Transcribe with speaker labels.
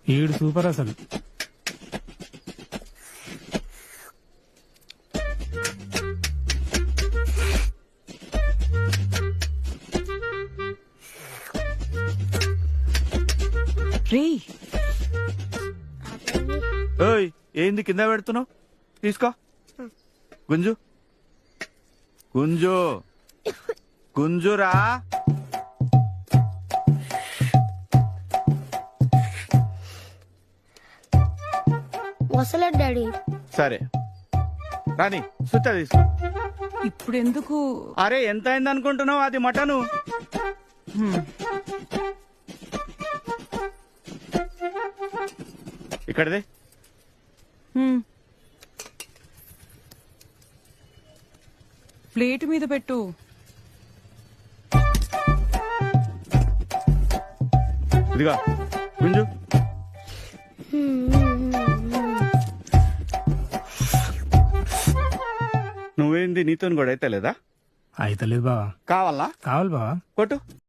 Speaker 1: ఈడు సూపర్ అసలు.
Speaker 2: రేయ్
Speaker 3: ఓయ్ ఏంది కింద పెడుతున్నావు? తీసుకో. గుంజు గుంజు గుంజురా.
Speaker 4: వస్తలేదు డాడీ.
Speaker 3: సరే రాని సుత్త తీసుకో.
Speaker 2: ఇప్పుడు ఎందుకు?
Speaker 3: అరే ఎంత అయింది అనుకుంటున్నావు? అది మటను. ఇక్కడదే.
Speaker 2: ప్లేట్ మీద పెట్టు.
Speaker 3: ఇదిగా గుంజు. నువ్వేంది నీతో కూడా అయితే లేదా?
Speaker 1: అయితలేదు బావా.
Speaker 3: కావాలా?
Speaker 1: కావాలి బావా.
Speaker 3: కొట్టు.